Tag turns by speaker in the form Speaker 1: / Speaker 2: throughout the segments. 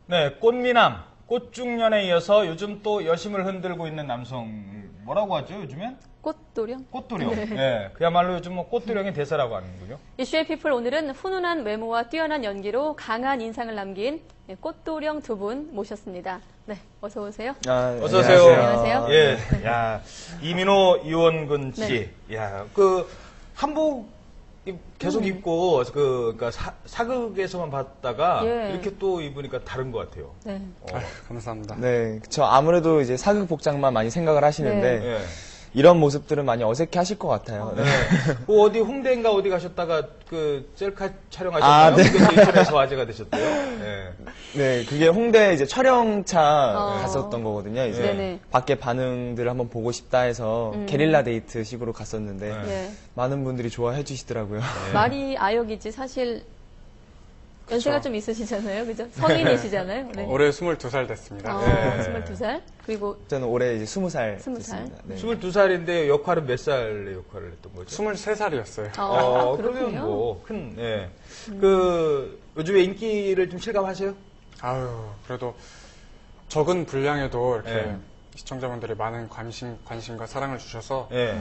Speaker 1: 네, 꽃미남, 꽃중년에 이어서 요즘 또 여심을 흔들고 있는 남성, 뭐라고 하죠, 요즘엔?
Speaker 2: 꽃도령?
Speaker 1: 꽃도령. 네. 그야말로 요즘 뭐 꽃도령의 대사라고 하는군요.
Speaker 2: 이슈의 피플 오늘은 훈훈한 외모와 뛰어난 연기로 강한 인상을 남긴 꽃도령 두 분 모셨습니다. 네, 어서 오세요.
Speaker 1: 어서 오세요.
Speaker 2: 안녕하세요.
Speaker 1: 예, 야, 이민호, 이원근 씨. 야, 그 한복 계속 입고 그러니까 사극에서만 봤다가 이렇게 또 입으니까 다른 것 같아요.
Speaker 2: 네.
Speaker 3: 감사합니다.
Speaker 4: 네, 저 아무래도 이제 사극 복장만 많이 생각을 하시는데
Speaker 1: 네.
Speaker 4: 이런 모습들은 많이 어색해 하실 것 같아요.
Speaker 1: 네. 그 어디 홍대인가 어디 가셨다가 그 셀카 촬영하셨나요? 그게 또 인터넷에서 화제가 되셨대요. 네.
Speaker 4: 네, 그게 홍대 이제 촬영차 갔었던 거거든요. 이제
Speaker 2: 네네.
Speaker 4: 밖에 반응들을 한번 보고 싶다 해서 게릴라 데이트 식으로 갔었는데
Speaker 2: 네.
Speaker 4: 많은 분들이 좋아해 주시더라고요.
Speaker 2: 말이 아역이지 사실 연세가 좀 있으시잖아요. 그죠? 성인이시잖아요. 네.
Speaker 3: 올해 22살 됐습니다.
Speaker 2: 22살. 그리고
Speaker 4: 저는 올해 이제 20살
Speaker 2: 20살.
Speaker 4: 됐습니다. 네.
Speaker 1: 22살인데 역할은 몇 살의 역할을 했던 거죠?
Speaker 3: 23살이었어요.
Speaker 1: 그러면
Speaker 2: 그렇군요.
Speaker 1: 뭐 예. 그 요즘에 인기를 좀 실감하세요?
Speaker 3: 아유, 그래도 적은 분량에도 이렇게
Speaker 1: 네.
Speaker 3: 시청자분들이 많은 관심과 사랑을 주셔서
Speaker 1: 예.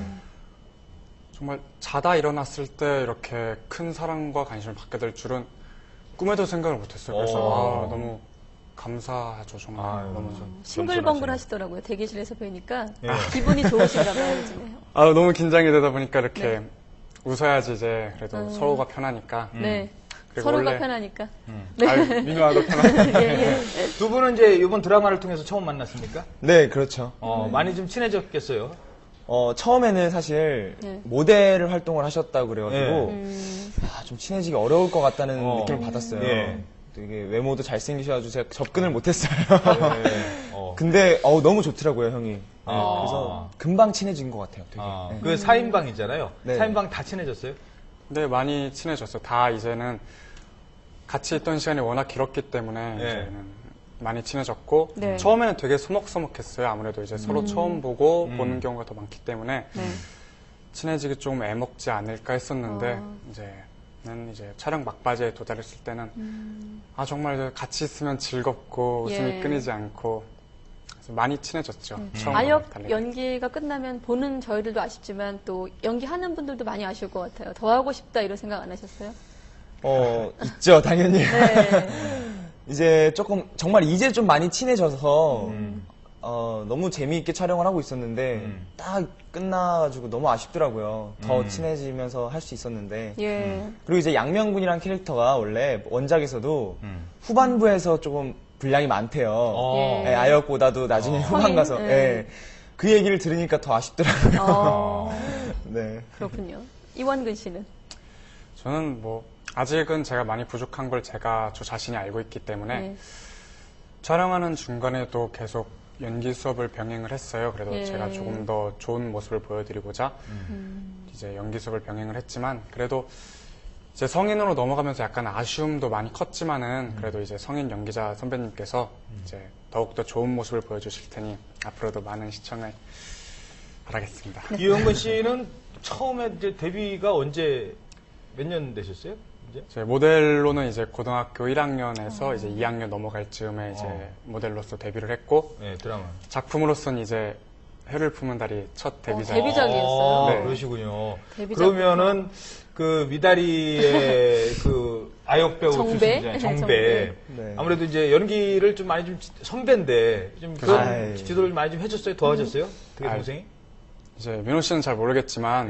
Speaker 3: 정말 자다 일어났을 때 이렇게 큰 사랑과 관심을 받게 될 줄은 꿈에도 생각을 못했어요. 그래서 너무 감사하죠. 정말
Speaker 1: 아유.
Speaker 3: 너무
Speaker 2: 싱글벙글 하시더라고요. 대기실에서 뵈니까
Speaker 1: 예.
Speaker 2: 기분이 좋으신가 봐요, 요즘에.
Speaker 3: 너무 긴장이 되다 보니까 이렇게 웃어야지 이제 그래도 서로가 편하니까.
Speaker 2: 네.
Speaker 3: 그리고
Speaker 2: 서로가
Speaker 3: 원래-
Speaker 2: 편하니까.
Speaker 3: 민호와도 편하니까.
Speaker 2: 예, 예.
Speaker 1: 두 분은 이제 이번 드라마를 통해서 처음 만났습니까?
Speaker 4: 네, 그렇죠.
Speaker 1: 많이 좀 친해졌겠어요.
Speaker 4: 처음에는 사실
Speaker 2: 네.
Speaker 4: 모델 활동을 하셨다고 그래가지고
Speaker 2: 음.
Speaker 4: 좀 친해지기 어려울 것 같다는 느낌을 받았어요.
Speaker 1: 예.
Speaker 4: 되게 외모도 잘생기셔가지고 제가 접근을 못했어요.
Speaker 1: 네.
Speaker 4: 근데 너무 좋더라고요, 형이. 네, 그래서 금방 친해진 것 같아요, 되게. 네.
Speaker 1: 그 4인방이잖아요.
Speaker 4: 네.
Speaker 1: 4인방 다 친해졌어요?
Speaker 3: 네, 많이 친해졌어요. 다 이제는 같이 있던 시간이 워낙 길었기 때문에 이제는 많이 친해졌고
Speaker 2: 네.
Speaker 3: 처음에는 되게 소먹소먹했어요. 아무래도 이제 서로 처음 보고 보는 경우가 더 많기 때문에
Speaker 2: 네.
Speaker 3: 친해지기 좀 애먹지 않을까 했었는데 이제는 이제 촬영 막바지에 도달했을 때는 정말 같이 있으면 즐겁고 웃음이
Speaker 2: 예.
Speaker 3: 끊이지 않고 그래서 많이 친해졌죠. 처음과
Speaker 2: 아역
Speaker 3: 달리.
Speaker 2: 연기가 끝나면 보는 저희들도 아쉽지만 또 연기하는 분들도 많이 아쉬울 것 같아요. 더 하고 싶다 이런 생각 안 하셨어요?
Speaker 4: 있죠, 당연히.
Speaker 2: 네.
Speaker 4: 이제 정말 이제 좀 많이 친해져서, 너무 재미있게 촬영을 하고 있었는데, 딱 끝나가지고 너무 아쉽더라고요. 더 친해지면서 할 수 있었는데.
Speaker 2: 예.
Speaker 4: 그리고 이제 양명군이란 캐릭터가 원래 원작에서도 후반부에서 조금 분량이 많대요.
Speaker 2: 예.
Speaker 4: 네, 아역보다도 나중에 후반 가서.
Speaker 2: 성인?
Speaker 4: 네. 그 얘기를 들으니까 더 아쉽더라고요. 네.
Speaker 2: 그렇군요. 이원근 씨는?
Speaker 3: 저는 뭐 아직은 제가 많이 부족한 걸 저 자신이 알고 있기 때문에
Speaker 2: 네.
Speaker 3: 촬영하는 중간에도 계속 연기 수업을 병행을 했어요. 그래도
Speaker 2: 예.
Speaker 3: 제가 조금 더 좋은 모습을 보여드리고자 이제 연기 수업을 병행을 했지만 그래도 이제 성인으로 넘어가면서 약간 아쉬움도 많이 컸지만은 그래도 이제 성인 연기자 선배님께서 이제 더욱더 좋은 모습을 보여주실 테니 앞으로도 많은 시청을 바라겠습니다.
Speaker 1: 이영근 씨는 처음에 이제 데뷔가 언제 몇 년 되셨어요? 이제?
Speaker 3: 제 모델로는 이제 고등학교 1학년에서 이제 2학년 넘어갈 즈음에 이제 모델로서 데뷔를 했고
Speaker 1: 네, 드라마.
Speaker 3: 작품으로서는 이제 해를 품은 달이 첫 데뷔작.
Speaker 2: 데뷔작이었어요?
Speaker 3: 네.
Speaker 1: 그러시군요.
Speaker 2: 데뷔작.
Speaker 1: 그러면은 그 미다리의 그 아역 배우
Speaker 2: 정배?
Speaker 1: 출신이잖아요.
Speaker 2: 정배.
Speaker 1: 정배.
Speaker 4: 네.
Speaker 1: 아무래도 이제 연기를 좀 많이 좀 선배인데 좀 그런
Speaker 4: 아이.
Speaker 1: 지도를 많이 좀 해줬어요? 도와줬어요? 되게 동생이?
Speaker 3: 이제 민호 씨는 잘 모르겠지만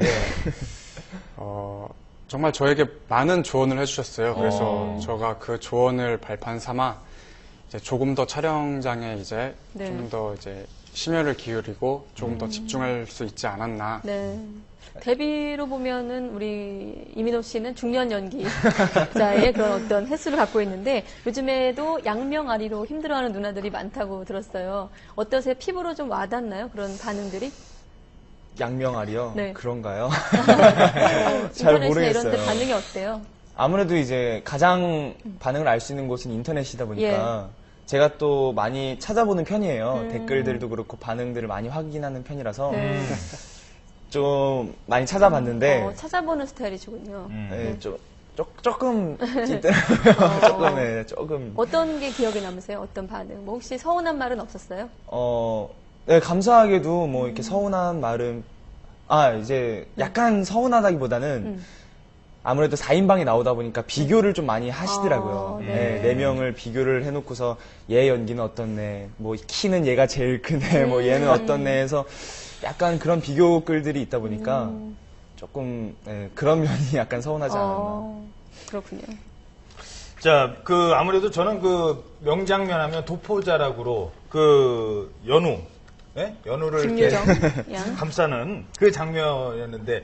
Speaker 3: 정말 저에게 많은 조언을 해주셨어요. 그래서 제가 그 조언을 발판 삼아 이제 조금 더 촬영장에 이제
Speaker 2: 네.
Speaker 3: 좀 더 이제 심혈을 기울이고 조금 더 집중할 수 있지 않았나.
Speaker 2: 네. 데뷔로 보면은 우리 이민호 씨는 중년 연기자의 그런 어떤 횟수를 갖고 있는데 요즘에도 양명아리로 힘들어하는 누나들이 많다고 들었어요. 어떠세요? 피부로 좀 와닿나요? 그런 반응들이?
Speaker 4: 양명아리요?
Speaker 2: 네.
Speaker 4: 그런가요?
Speaker 2: 인터넷이나
Speaker 4: 잘
Speaker 2: 이런 데
Speaker 4: 모르겠어요.
Speaker 2: 반응이 어때요?
Speaker 4: 아무래도 이제 가장 반응을 알 수 있는 곳은 인터넷이다 보니까 제가 또 많이 찾아보는 편이에요. 댓글들도 그렇고 반응들을 많이 확인하는 편이라서 좀 많이 찾아봤는데
Speaker 2: 찾아보는 스타일이시군요.
Speaker 4: 네, 좀 조금 있더라고요. 조금, 네, 조금.
Speaker 2: 어떤 게 기억에 남으세요? 어떤 반응? 뭐 혹시 서운한 말은 없었어요?
Speaker 4: 네, 감사하게도 뭐 이렇게 서운한 말은, 이제 약간 서운하다기보다는 아무래도 4인방이 나오다 보니까 비교를 좀 많이 하시더라고요.
Speaker 2: 네.
Speaker 4: 네, 4명을 비교를 해놓고서 얘 연기는 어떻네, 뭐 키는 얘가 제일 크네, 뭐 얘는 어떻네 해서 약간 그런 비교글들이 있다 보니까 조금 그런 면이 약간 서운하지 않았나.
Speaker 2: 그렇군요.
Speaker 1: 자, 아무래도 저는 명장면 하면 도포자락으로 연우, 예? 연우를 이렇게
Speaker 2: 김유정 양.
Speaker 1: 감싸는 그 장면이었는데,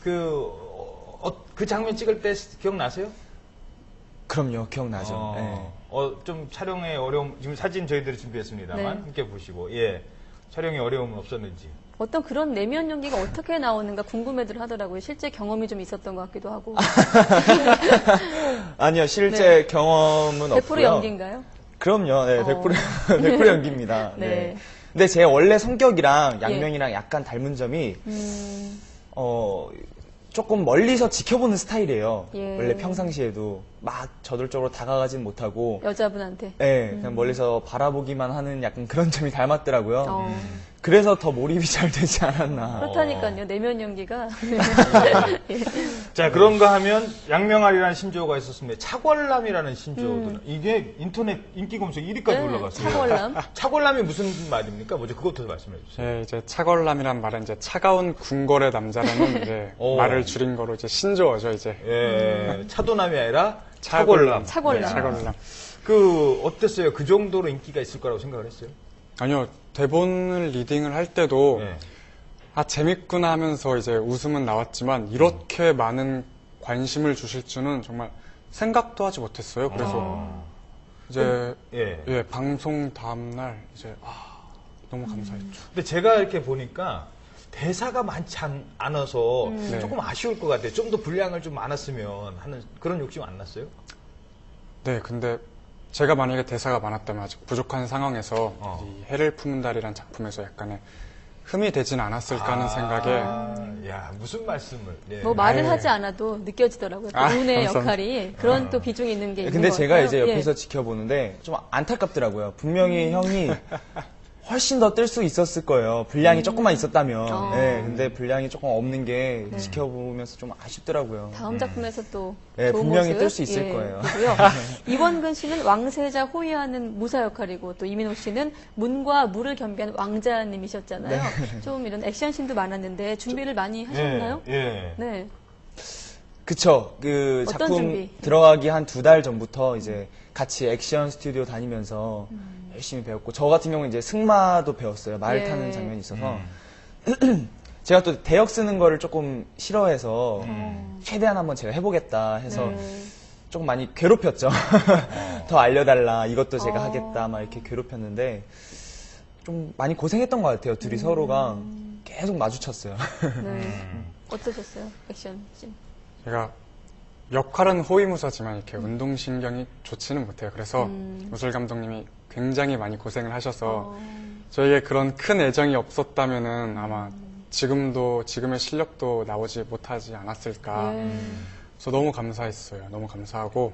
Speaker 1: 그 장면 찍을 때 기억나세요?
Speaker 4: 그럼요, 기억나죠. 네.
Speaker 1: 좀 촬영에 어려움, 지금 사진 저희들이 준비했습니다만,
Speaker 2: 네.
Speaker 1: 함께 보시고, 예. 촬영에 어려움은 없었는지.
Speaker 2: 어떤 그런 내면 연기가 어떻게 나오는가 궁금해들 하더라고요. 실제 경험이 좀 있었던 것 같기도 하고.
Speaker 4: 아니요, 실제 경험은
Speaker 2: 100%
Speaker 4: 없고요.
Speaker 2: 연기인가요?
Speaker 4: 그럼요, 네, 100% 연기입니다.
Speaker 2: 네.
Speaker 4: 네. 근데 제 원래 성격이랑 양명이랑 약간 닮은 점이, 조금 멀리서 지켜보는 스타일이에요.
Speaker 2: 예.
Speaker 4: 원래 평상시에도 막 저돌적으로 다가가진 못하고,
Speaker 2: 여자분한테.
Speaker 4: 네, 그냥 멀리서 바라보기만 하는 약간 그런 점이 닮았더라고요.
Speaker 2: 음.
Speaker 4: 그래서 더 몰입이 잘 되지 않았나.
Speaker 2: 그렇다니까요. 내면 연기가. 예.
Speaker 1: 자, 그런가 하면 양명아리라는 신조어가 있었습니다. 차궐남이라는 신조어도 이게 인터넷 인기 검색 1위까지
Speaker 2: 네,
Speaker 1: 올라갔어요.
Speaker 2: 차궐남.
Speaker 1: 차궐남이 무슨 말입니까? 먼저 그것부터 말씀해 주세요.
Speaker 3: 네, 이제 차걸남이란 말은 이제 차가운 궁궐의 남자라는 이제 말을 줄인 거로 이제 신조어죠, 이제.
Speaker 1: 예, 차도남이 아니라 차궐남.
Speaker 2: 차궐남.
Speaker 3: 네, 차걸남.
Speaker 1: 어땠어요? 그 정도로 인기가 있을 거라고 생각을 했어요?
Speaker 3: 아니요, 대본을 리딩을 할 때도
Speaker 1: 예.
Speaker 3: 재밌구나 하면서 이제 웃음은 나왔지만 이렇게 많은 관심을 주실 줄은 정말 생각도 하지 못했어요. 그래서 이제
Speaker 1: 예.
Speaker 3: 방송 다음날 이제 너무 감사했죠.
Speaker 1: 근데 제가 이렇게 보니까 대사가 많지 않아서
Speaker 3: 네.
Speaker 1: 조금 아쉬울 것 같아요. 좀 더 분량을 좀 많았으면 하는 그런 욕심 안 났어요?
Speaker 3: 네, 근데 제가 만약에 대사가 많았다면 아직 부족한 상황에서 이 해를 품은 달이란 작품에서 약간의 흠이 되진 않았을까 하는 생각에
Speaker 1: 야, 무슨 말씀을. 예.
Speaker 2: 뭐 말을 하지 않아도 느껴지더라고요. 또 운의
Speaker 3: 감사합니다.
Speaker 2: 역할이 그런 또 비중이 있는 게 있는
Speaker 4: 근데
Speaker 2: 것
Speaker 4: 제가
Speaker 2: 같아요.
Speaker 4: 이제 옆에서
Speaker 2: 예.
Speaker 4: 지켜보는데 좀 안타깝더라고요. 분명히 형이 훨씬 더 뜰 수 있었을 거예요. 분량이 조금만 있었다면. 네, 근데 분량이 조금 없는 게 지켜보면서 좀 아쉽더라고요.
Speaker 2: 다음 작품에서 또
Speaker 4: 네,
Speaker 2: 좋은
Speaker 4: 분명히
Speaker 2: 모습,
Speaker 4: 뜰 수 있을 거예요.
Speaker 2: 보고요. 이원근 씨는 왕세자 호위하는 무사 역할이고 또 이민호 씨는 문과 무를 겸비한 왕자님이셨잖아요. 좀 이런 액션씬도 많았는데 준비를 많이 하셨나요?
Speaker 1: 예.
Speaker 2: 네.
Speaker 4: 그쵸.
Speaker 2: 어떤
Speaker 4: 작품
Speaker 2: 준비?
Speaker 4: 들어가기 한 2달 전부터 이제 같이 액션 스튜디오 다니면서 열심히 배웠고, 저 같은 경우는 이제 승마도 배웠어요. 말
Speaker 2: 예.
Speaker 4: 타는 장면이 있어서. 제가 또 대역 쓰는 거를 조금 싫어해서 최대한 한번 제가 해보겠다 해서 조금 많이 괴롭혔죠. 더 알려달라, 이것도 제가 하겠다, 막 이렇게 괴롭혔는데 좀 많이 고생했던 것 같아요. 둘이 서로가 계속 마주쳤어요.
Speaker 2: 네. 어떠셨어요? 액션씬.
Speaker 3: 제가 역할은 호위무사지만 이렇게 운동신경이 좋지는 못해요. 그래서 무술 감독님이 굉장히 많이 고생을 하셔서 저에게 그런 큰 애정이 없었다면은 아마 지금의 실력도 나오지 못하지 않았을까. 그래서 너무 감사했어요. 너무 감사하고.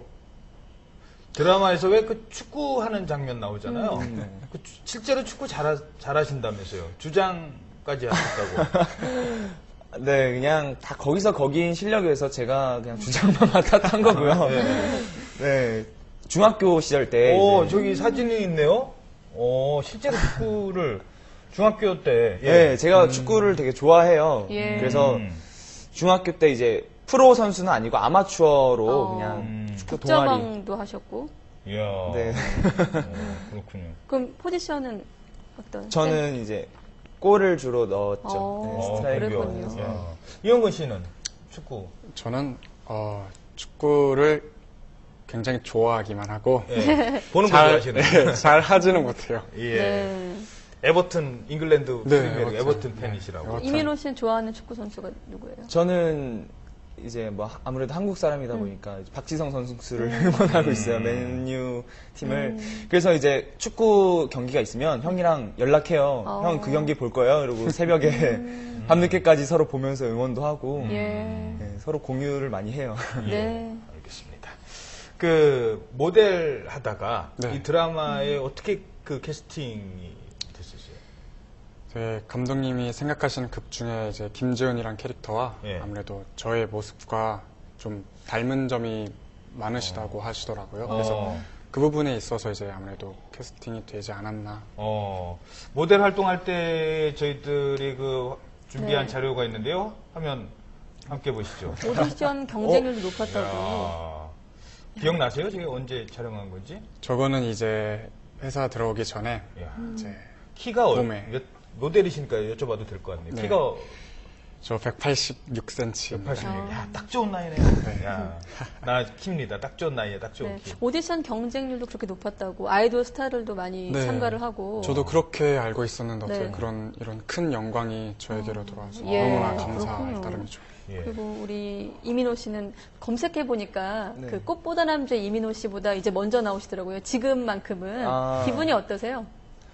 Speaker 1: 드라마에서 왜 그 축구하는 장면 나오잖아요. 실제로 축구 잘하신다면서요. 주장까지 하셨다고.
Speaker 4: 네, 그냥 다 거기서 거기인 실력에서 제가 그냥 주장만 맡았던 거고요. 네, 중학교 시절 때.
Speaker 1: 오,
Speaker 4: 이제
Speaker 1: 저기 사진이 있네요. 실제로 축구를 중학교 때.
Speaker 4: 네, 제가 축구를 되게 좋아해요.
Speaker 2: 예.
Speaker 4: 그래서 중학교 때 이제 프로 선수는 아니고 아마추어로 그냥 축구 동아리.
Speaker 2: 국자왕도 하셨고.
Speaker 1: 이야.
Speaker 4: 네.
Speaker 1: 그렇군요.
Speaker 2: 그럼 포지션은 어떤?
Speaker 4: 저는 이제 골을 주로 넣었죠.
Speaker 2: 어,
Speaker 4: 네, 스트라이커.
Speaker 2: 그랬군요.
Speaker 1: 야. 이영근 씨는 축구.
Speaker 3: 저는 축구를 굉장히 좋아하기만 하고
Speaker 1: 예. 보는 거 좋아하시는.
Speaker 3: 잘 하지는 못해요.
Speaker 1: 예.
Speaker 2: 네.
Speaker 1: 에버튼 잉글랜드
Speaker 3: 네,
Speaker 1: 프리미어리그 에버튼
Speaker 3: 네.
Speaker 1: 팬이시라고.
Speaker 3: 에버튼.
Speaker 2: 이민호 씨는 좋아하는 축구 선수가 누구예요?
Speaker 4: 저는 이제 뭐 아무래도 한국 사람이다 보니까 이제 박지성 선수를 응원하고 있어요. 맨유 팀을. 그래서 이제 축구 경기가 있으면 형이랑 연락해요. 형 그 경기 볼 거예요. 그리고 새벽에 밤늦게까지 서로 보면서 응원도 하고
Speaker 2: 예.
Speaker 4: 네, 서로 공유를 많이 해요.
Speaker 2: 네.
Speaker 1: 알겠습니다. 그 모델 하다가
Speaker 3: 네.
Speaker 1: 이 드라마에 어떻게 그 캐스팅이 됐었어요?
Speaker 3: 네, 감독님이 생각하시는 극 중에 이제 김지은이란 캐릭터와
Speaker 1: 예.
Speaker 3: 아무래도 저의 모습과 좀 닮은 점이 많으시다고 하시더라고요. 그래서 그 부분에 있어서 이제 아무래도 캐스팅이 되지 않았나.
Speaker 1: 모델 활동할 때 저희들이 그 준비한
Speaker 2: 네.
Speaker 1: 자료가 있는데요. 화면 함께 보시죠.
Speaker 2: 오디션 경쟁률도 높았다고.
Speaker 1: 이야, 기억나세요? 제가 언제 촬영한 건지?
Speaker 3: 저거는 이제 회사 들어오기 전에
Speaker 1: 이야,
Speaker 3: 이제
Speaker 1: 키가
Speaker 3: 봄에.
Speaker 1: 몇 모델이시니까 여쭤봐도 될 것 같네요.
Speaker 3: 네.
Speaker 1: 키가
Speaker 3: 저 186cm.
Speaker 1: 180. 야, 딱 좋은 나이네요. 야, 나 킵니다. 딱 좋은 나이에 딱 좋은
Speaker 2: 네.
Speaker 1: 키.
Speaker 2: 오디션 경쟁률도 그렇게 높았다고. 아이돌 스타들도 많이
Speaker 3: 네.
Speaker 2: 참가를 하고.
Speaker 3: 저도 그렇게 알고 있었는데 어떻게
Speaker 2: 네.
Speaker 3: 이런 큰 영광이 저에게로 돌아와서
Speaker 2: 예,
Speaker 3: 너무나 감사할
Speaker 2: 그렇군요.
Speaker 3: 따름이죠.
Speaker 1: 예.
Speaker 2: 그리고 우리 이민호 씨는 검색해 보니까
Speaker 4: 네.
Speaker 2: 그 꽃보다 남자 이민호 씨보다 이제 먼저 나오시더라고요. 지금만큼은
Speaker 4: 아.
Speaker 2: 기분이 어떠세요?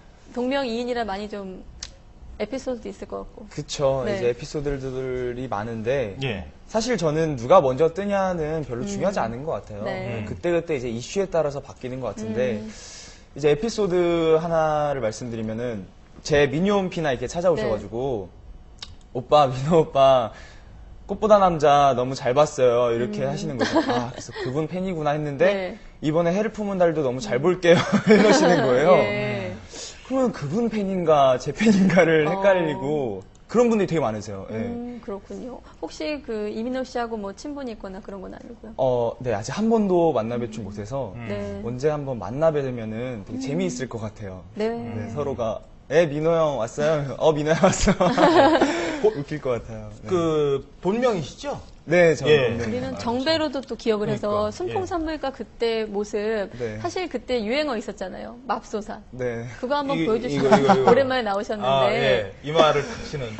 Speaker 2: 동명이인이라 많이 좀 에피소드도 있을 것 같고.
Speaker 4: 그쵸.
Speaker 2: 네.
Speaker 4: 이제 에피소드들이 많은데
Speaker 1: 예.
Speaker 4: 사실 저는 누가 먼저 뜨냐는 별로 중요하지 않은 것 같아요.
Speaker 2: 네.
Speaker 4: 그때그때 이제 이슈에 따라서 바뀌는 것 같은데 이제 에피소드 하나를 말씀드리면은 제 미니홈피나 이렇게 찾아오셔가지고 오빠, 민호 오빠 꽃보다 남자 너무 잘 봤어요. 이렇게 하시는 거죠. 아, 그래서 그분 팬이구나 했는데
Speaker 2: 네.
Speaker 4: 이번에 해를 품은 달도 너무 잘 볼게요. 이러시는 거예요.
Speaker 2: 예.
Speaker 4: 그러면 그분 팬인가 제 팬인가를 헷갈리고 그런 분들이 되게 많으세요. 예.
Speaker 2: 그렇군요. 혹시 그 이민호 씨하고 뭐 친분이 있거나 그런 건 아니고요?
Speaker 4: 네, 아직 한 번도 만나 뵙지 못해서
Speaker 2: 네.
Speaker 4: 언제 한번 만나 뵈면은 되게 재미있을 것 같아요.
Speaker 2: 네.
Speaker 4: 네, 서로가 민호 형 왔어요? 민호 형 왔어. 웃길 것 같아요. 네,
Speaker 1: 그 본명이시죠?
Speaker 4: 네 저는
Speaker 1: 예.
Speaker 4: 네.
Speaker 2: 우리는 정배로도 또 기억을 해서
Speaker 1: 그러니까,
Speaker 2: 순풍산물가 그때 모습
Speaker 4: 네.
Speaker 2: 사실 그때 유행어 있었잖아요. 맙소사.
Speaker 4: 네.
Speaker 2: 그거 한번
Speaker 1: 이거,
Speaker 2: 보여주시면
Speaker 1: 이거.
Speaker 2: 오랜만에 나오셨는데
Speaker 1: 아, 예. 이마를 탁 치는.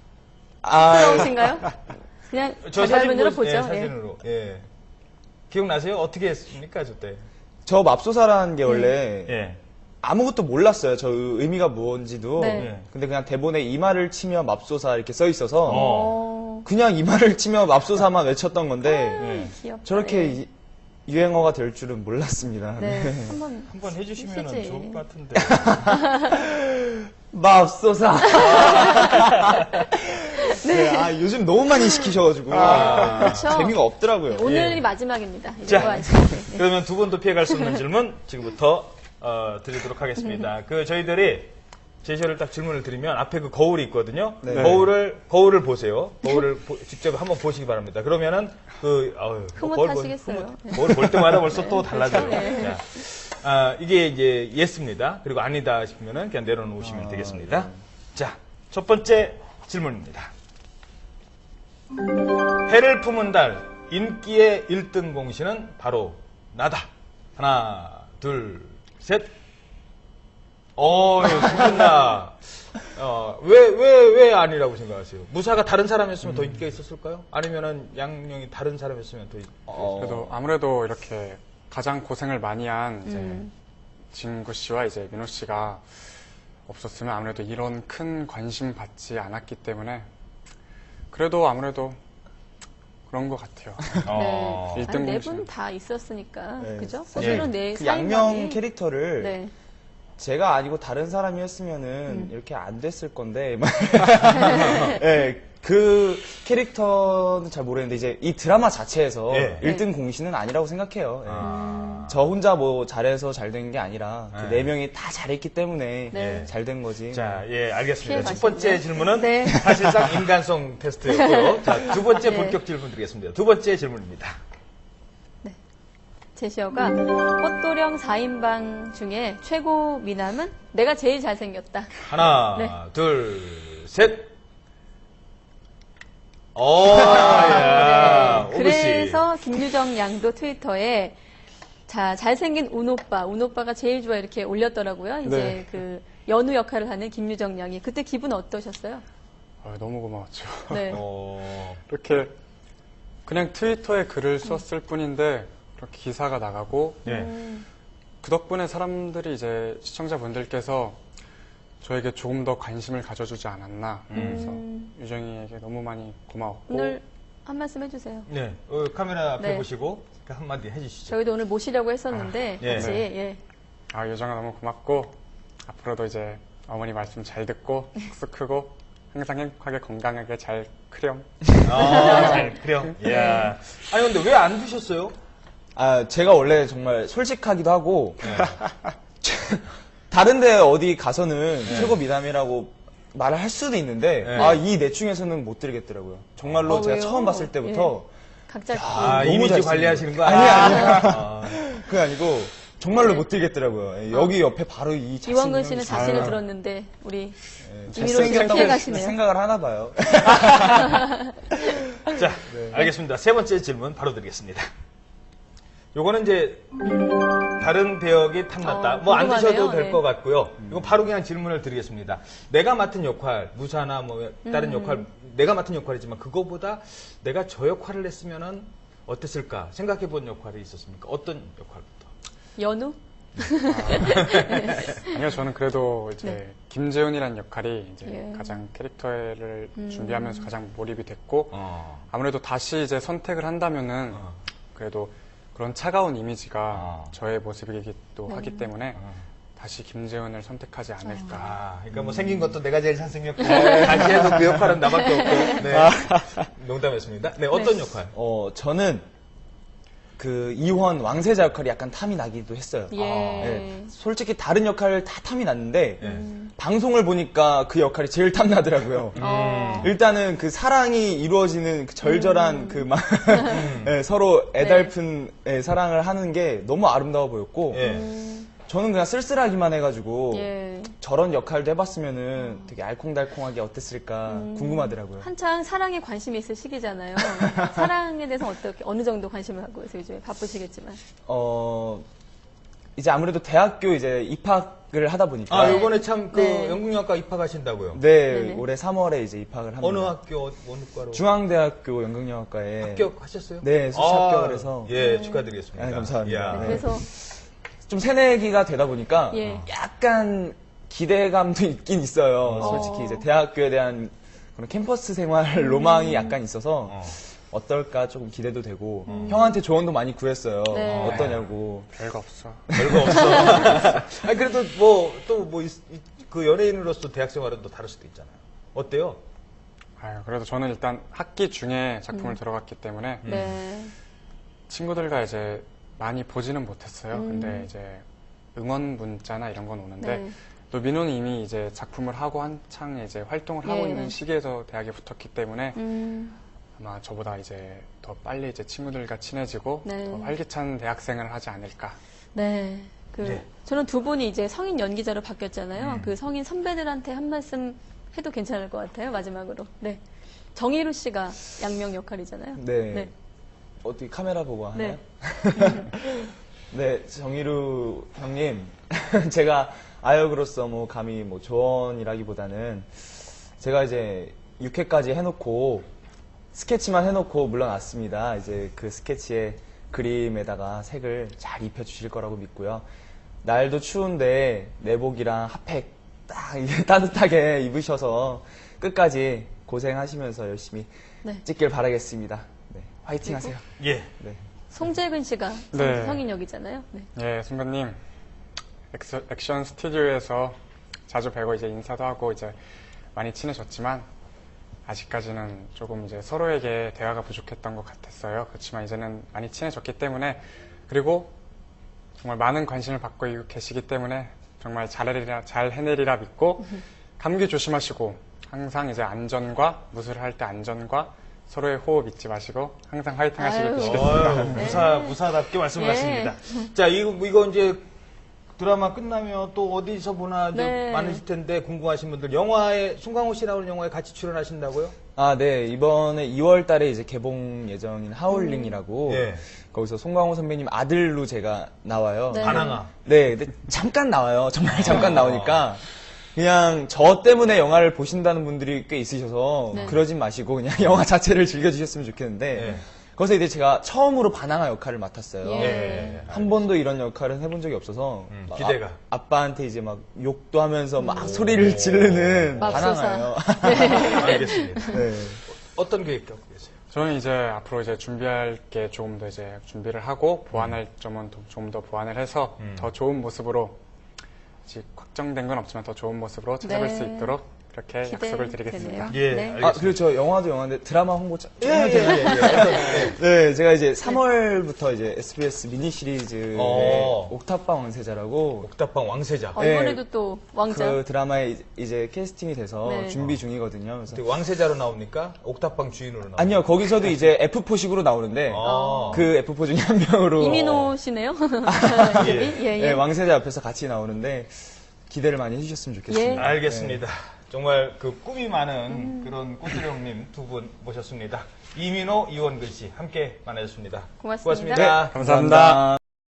Speaker 2: 부러우신가요? 그냥
Speaker 1: 저
Speaker 2: 자료 화면으로
Speaker 1: 보시-
Speaker 2: 보죠.
Speaker 1: 예,
Speaker 2: 예.
Speaker 1: 사진으로. 예. 기억나세요? 어떻게 했습니까, 저 때?
Speaker 4: 저 맙소사라는 게 원래
Speaker 1: 예.
Speaker 4: 아무것도 몰랐어요. 저 의미가 뭔지도.
Speaker 2: 네.
Speaker 1: 예.
Speaker 4: 근데 그냥 대본에 이마를 치며 맙소사 이렇게 써 있어서
Speaker 2: 어.
Speaker 4: 그냥 이마를 치며 맙소사만 외쳤던 건데
Speaker 1: 예.
Speaker 2: 귀엽다.
Speaker 4: 저렇게
Speaker 2: 예.
Speaker 4: 유행어가 될 줄은 몰랐습니다.
Speaker 2: 네.
Speaker 4: 네.
Speaker 2: 한번
Speaker 1: 한번 해주시면
Speaker 2: 해주시지.
Speaker 1: 좋을 것 같은데.
Speaker 4: 맙소사. 네. 요즘 너무 많이 시키셔가지고
Speaker 2: 그렇죠.
Speaker 4: 재미가 없더라고요.
Speaker 2: 오늘이
Speaker 1: 예.
Speaker 2: 마지막입니다. 이제
Speaker 1: 자.
Speaker 2: 뭐 안 시키게. 네.
Speaker 1: 그러면 두 분도 피해갈 수 없는 질문 지금부터 드리도록 하겠습니다. 그 저희들이 제시어를 딱 질문을 드리면 앞에 그 거울이 있거든요.
Speaker 4: 네.
Speaker 1: 거울을 보세요. 거울을 직접 한번 보시기 바랍니다. 그러면은
Speaker 2: 흐뭇하시겠어요.
Speaker 1: 거울 볼 때마다 벌써 또 달라져요.
Speaker 2: 네.
Speaker 1: 자, 이게 이제 예스입니다. 그리고 아니다 싶으면은 그냥 내려놓으시면 되겠습니다. 자, 첫 번째 질문입니다. 해를 품은 달 인기의 1등 공신은 바로 나다. 하나, 둘, 셋. 두분다 왜 아니라고 생각하세요? 무사가 다른 사람이었으면 더 인기가 있었을까요? 아니면은 양명이 다른 사람이었으면 더
Speaker 3: 그래도 아무래도 이렇게 가장 고생을 많이 한 이제 진구 씨와 이제 민호 씨가 없었으면 아무래도 이런 큰 관심 받지 않았기 때문에 그래도 아무래도 그런 것 같아요.
Speaker 2: 네.
Speaker 3: 일등
Speaker 2: 네
Speaker 3: 공신.
Speaker 2: 분 다 있었으니까.
Speaker 4: 네.
Speaker 2: 그죠? 사실은 내
Speaker 4: 그
Speaker 2: 사인방에
Speaker 4: 양명 캐릭터를
Speaker 2: 네.
Speaker 4: 제가 아니고 다른 사람이었으면은 이렇게 안 됐을 건데. 네, 그 캐릭터는 잘 모르겠는데 이제 이 드라마 자체에서
Speaker 1: 예.
Speaker 4: 1등 공신은 아니라고 생각해요. 예.
Speaker 1: 아.
Speaker 4: 저 혼자 뭐 잘해서 잘 된 게 아니라 그
Speaker 1: 네.
Speaker 4: 네 명이 다 잘했기 때문에
Speaker 2: 네.
Speaker 4: 잘 된 거지.
Speaker 1: 자, 예, 알겠습니다.
Speaker 2: 피해
Speaker 1: 첫 번째
Speaker 2: 가시네요.
Speaker 1: 질문은
Speaker 2: 네.
Speaker 1: 사실상 인간성 테스트였고요. 자, 두 번째
Speaker 2: 네.
Speaker 1: 본격 질문 드리겠습니다. 두 번째 질문입니다.
Speaker 2: 제시어가 꽃도령 4인방 중에 최고 미남은 내가 제일 잘생겼다.
Speaker 1: 하나,
Speaker 2: 네.
Speaker 1: 둘, 셋. 야, 오구 씨.
Speaker 2: 그래서 김유정 양도 트위터에 자 잘생긴 운 오빠가 제일 좋아 이렇게 올렸더라고요. 이제
Speaker 3: 네.
Speaker 2: 그 연우 역할을 하는 김유정 양이 그때 기분 어떠셨어요?
Speaker 3: 너무 고마웠죠.
Speaker 2: 네.
Speaker 3: 이렇게 그냥 트위터에 글을 썼을 뿐인데 그렇게 기사가 나가고
Speaker 1: 네.
Speaker 3: 그 덕분에 사람들이 이제 시청자분들께서 저에게 조금 더 관심을 가져주지 않았나. 그래서 유정이에게 너무 많이 고마웠고
Speaker 2: 오늘 한 말씀 해주세요.
Speaker 1: 네, 카메라 앞에
Speaker 2: 네.
Speaker 1: 보시고 한마디 해주시죠.
Speaker 2: 저희도 오늘 모시려고 했었는데
Speaker 1: 예.
Speaker 2: 같이 예.
Speaker 3: 요정아 너무 고맙고 앞으로도 이제 어머니 말씀 잘 듣고 쑥쑥 크고 항상 행복하게 건강하게 잘 크렴.
Speaker 1: 잘 그래요. 이야. 아니 근데 왜 안 드셨어요?
Speaker 4: 아, 제가 원래 정말 솔직하기도 하고, 다른데 어디 가서는 최고 미남이라고 말을 할 수도 있는데,
Speaker 1: 네.
Speaker 4: 이 넷 중에서는 못 드리겠더라고요. 정말로 제가
Speaker 2: 왜요?
Speaker 4: 처음 봤을 때부터,
Speaker 2: 각자
Speaker 1: 아,
Speaker 4: 너무
Speaker 1: 이미지
Speaker 4: 잘생겼어요.
Speaker 1: 관리하시는 거
Speaker 4: 아니에요. 그게 아니고, 정말로 못 드리겠더라고요. 여기 옆에 바로 이
Speaker 2: 이원근 씨는 자신을
Speaker 4: 아,
Speaker 2: 들었는데 우리 이민호 씨가
Speaker 4: 잘생겼다고
Speaker 2: 피해가시네요.
Speaker 4: 생각을 하나 봐요.
Speaker 1: 자, 알겠습니다. 세 번째 질문 바로 드리겠습니다. 요거는 이제 다른 배역이 탐났다. 뭐 안
Speaker 2: 궁금하네요.
Speaker 1: 드셔도 될
Speaker 2: 네.
Speaker 1: 것 같고요. 이거 바로 그냥 질문을 드리겠습니다. 내가 맡은 역할, 무사나 뭐 다른 역할, 내가 맡은 역할이지만 그거보다 내가 저 역할을 했으면은 어땠을까 생각해 본 역할이 있었습니까? 어떤 역할부터?
Speaker 2: 연우?
Speaker 3: 아니요, 저는 그래도 이제
Speaker 2: 네.
Speaker 3: 김재훈이라는 역할이 이제
Speaker 2: 예.
Speaker 3: 가장 캐릭터를 준비하면서 가장 몰입이 됐고
Speaker 1: 어.
Speaker 3: 아무래도 다시 이제 선택을 한다면은 그래도 그런 차가운 이미지가
Speaker 1: 어.
Speaker 3: 저의 모습이기도
Speaker 2: 네.
Speaker 3: 하기 때문에 다시 김재훈을 선택하지 않을까.
Speaker 1: 아, 그러니까 뭐 생긴 것도 내가 제일 잘생겼고 다시 해도 그 역할은 나밖에 없고. 네. 농담했습니다. 네, 어떤 역할?
Speaker 4: 저는 그 이원 왕세자 역할이 약간 탐이 나기도 했어요.
Speaker 2: 예.
Speaker 4: 네, 솔직히 다른 역할 다 탐이 났는데
Speaker 1: 예.
Speaker 4: 방송을 보니까 그 역할이 제일 탐나더라고요. 일단은 그 사랑이 이루어지는 그 절절한 그 막 서로 애달픈 사랑을 하는 게 너무 아름다워 보였고
Speaker 1: 예.
Speaker 4: 저는 그냥 쓸쓸하기만 해가지고
Speaker 2: 예.
Speaker 4: 저런 역할도 해봤으면은 되게 알콩달콩하게 어땠을까 궁금하더라고요.
Speaker 2: 한창 사랑에 관심이 있을 시기잖아요. 사랑에 대해서 어떻게 어느 정도 관심을 갖고 있어요? 요즘에 바쁘시겠지만.
Speaker 4: 이제 아무래도 대학교 이제 입학을 하다 보니까
Speaker 1: 아, 요번에 참 그
Speaker 2: 네.
Speaker 1: 연극영화과 입학하신다고요?
Speaker 4: 네,
Speaker 2: 네네.
Speaker 4: 올해 3월에 이제 입학을 합니다.
Speaker 1: 어느 학교, 어느 과로?
Speaker 4: 중앙대학교 연극영화과에
Speaker 1: 합격하셨어요?
Speaker 4: 네, 수시 합격을 해서
Speaker 1: 예, 축하드리겠습니다.
Speaker 4: 아, 감사합니다.
Speaker 1: 이야.
Speaker 4: 네.
Speaker 2: 그래서
Speaker 4: 좀 새내기가 되다 보니까
Speaker 2: 예.
Speaker 4: 약간 기대감도 있긴 있어요. 솔직히 이제 대학교에 대한 그런 캠퍼스 생활 로망이 약간 있어서 어떨까 조금 기대도 되고 형한테 조언도 많이 구했어요.
Speaker 2: 네.
Speaker 4: 어떠냐고.
Speaker 3: 별거 없어.
Speaker 1: 별거 없어. 아니, 그래도 뭐, 또 뭐, 그 연예인으로서 대학 생활은 또 다를 수도 있잖아요. 어때요?
Speaker 3: 그래도 저는 일단 학기 중에 작품을 들어갔기 때문에
Speaker 2: 네.
Speaker 3: 친구들과 이제 많이 보지는 못했어요. 근데 이제 응원 문자나 이런 건 오는데
Speaker 2: 네.
Speaker 3: 또 민호는 이미 이제 작품을 하고 한창 이제 활동을 하고
Speaker 2: 예.
Speaker 3: 있는 시기에서 대학에 붙었기 때문에
Speaker 2: 음,
Speaker 3: 아마 저보다 이제 더 빨리 이제 친구들과 친해지고
Speaker 2: 네.
Speaker 3: 더 활기찬 대학생을 하지 않을까.
Speaker 2: 네.
Speaker 1: 네.
Speaker 2: 저는 두 분이 이제 성인 연기자로 바뀌었잖아요. 그 성인 선배들한테 한 말씀 해도 괜찮을 것 같아요. 마지막으로. 네. 정희루 씨가 양명 역할이잖아요.
Speaker 4: 네.
Speaker 2: 네.
Speaker 4: 어떻게 카메라 보고 하나요?
Speaker 2: 네.
Speaker 4: 네, 정희루 형님. 제가 아역으로서 뭐 감히 뭐 조언이라기보다는 제가 이제 6회까지 해놓고 스케치만 해놓고 물러났습니다. 이제 그 스케치에 그림에다가 색을 잘 입혀주실 거라고 믿고요. 날도 추운데 내복이랑 핫팩 딱 이게 따뜻하게 입으셔서 끝까지 고생하시면서 열심히
Speaker 2: 네.
Speaker 4: 찍길 바라겠습니다. 네, 화이팅 하세요.
Speaker 1: 예.
Speaker 4: 네.
Speaker 2: 송재근 씨가
Speaker 3: 네.
Speaker 2: 성인 역이잖아요. 네.
Speaker 3: 예, 선배님. 액션 스튜디오에서 자주 뵈고 이제 인사도 하고 이제 많이 친해졌지만 아직까지는 조금 이제 서로에게 대화가 부족했던 것 같았어요. 그렇지만 이제는 많이 친해졌기 때문에 그리고 정말 많은 관심을 받고 계시기 때문에 정말 잘 해내리라 믿고 감기 조심하시고 항상 이제 안전과 무술을 할 때 안전과 서로의 호흡 잊지 마시고 항상 화이팅 하시길
Speaker 2: 아유.
Speaker 3: 빌겠습니다.
Speaker 1: 무사답게 말씀을
Speaker 2: 예.
Speaker 1: 하십니다. 자, 이거 이제 드라마 끝나면 또 어디서 보나 좀
Speaker 2: 네.
Speaker 1: 많으실 텐데 궁금하신 분들 영화에 송강호 씨 나오는 영화에 같이 출연하신다고요?
Speaker 4: 아, 네. 이번에 2월 달에 이제 개봉 예정인 하울링이라고
Speaker 1: 예.
Speaker 4: 거기서 송강호 선배님 아들로 제가 나와요.
Speaker 2: 네.
Speaker 1: 반항아.
Speaker 4: 네, 근데 잠깐 나와요. 정말 잠깐 나오니까 그냥 저 때문에 영화를 보신다는 분들이 꽤 있으셔서
Speaker 2: 네.
Speaker 4: 그러진 마시고 그냥 영화 자체를 즐겨주셨으면 좋겠는데
Speaker 1: 네.
Speaker 4: 거기서 이제 제가 처음으로 반항아 역할을 맡았어요.
Speaker 2: 예.
Speaker 4: 한 번도 이런 역할은 해본 적이 없어서 막
Speaker 1: 기대가.
Speaker 4: 아빠한테 이제 막 욕도 하면서 막 소리를 지르는
Speaker 2: 맙소사.
Speaker 4: 반항아예요.
Speaker 1: 알겠습니다.
Speaker 4: 네.
Speaker 1: 어떤 계획 갖고 계세요?
Speaker 3: 저는 이제 앞으로 이제 준비할 게 조금 더 이제 준비를 하고 보완할 점은 조금 더 보완을 해서 더 좋은 모습으로 아직 확정된 건 없지만 더 좋은 모습으로 찾아뵐 수 있도록 그렇게 약속을 드리겠습니다.
Speaker 1: 예,
Speaker 2: 네.
Speaker 1: 알겠습니다.
Speaker 4: 그리고 저 영화도 영화인데 드라마 홍보
Speaker 1: 예, 예, 예.
Speaker 4: 네, 제가 이제 3월부터 이제 SBS 미니 시리즈의
Speaker 1: 어.
Speaker 4: 옥탑방 왕세자라고
Speaker 1: 옥탑방 왕세자.
Speaker 4: 네.
Speaker 2: 이번에도 또 왕자.
Speaker 4: 그 드라마에 이제 캐스팅이 돼서
Speaker 2: 네.
Speaker 4: 준비 중이거든요. 그래서
Speaker 1: 어떻게 왕세자로 나옵니까? 옥탑방 주인으로 나옵니까?
Speaker 4: 아니요, 거기서도 이제 F4식으로 나오는데
Speaker 1: 아.
Speaker 4: 그 F4 중에 한 명으로
Speaker 2: 이민호 씨네요. 이름이? 예, 예.
Speaker 4: 왕세자 옆에서 같이 나오는데 기대를 많이 해주셨으면 좋겠습니다.
Speaker 2: 예.
Speaker 1: 알겠습니다. 정말 그 꿈이 많은 그런 꽃들이 형님 두 분 모셨습니다. 이민호, 이원근 씨 함께 만나셨습니다.
Speaker 2: 고맙습니다.
Speaker 1: 고맙습니다.
Speaker 3: 감사합니다.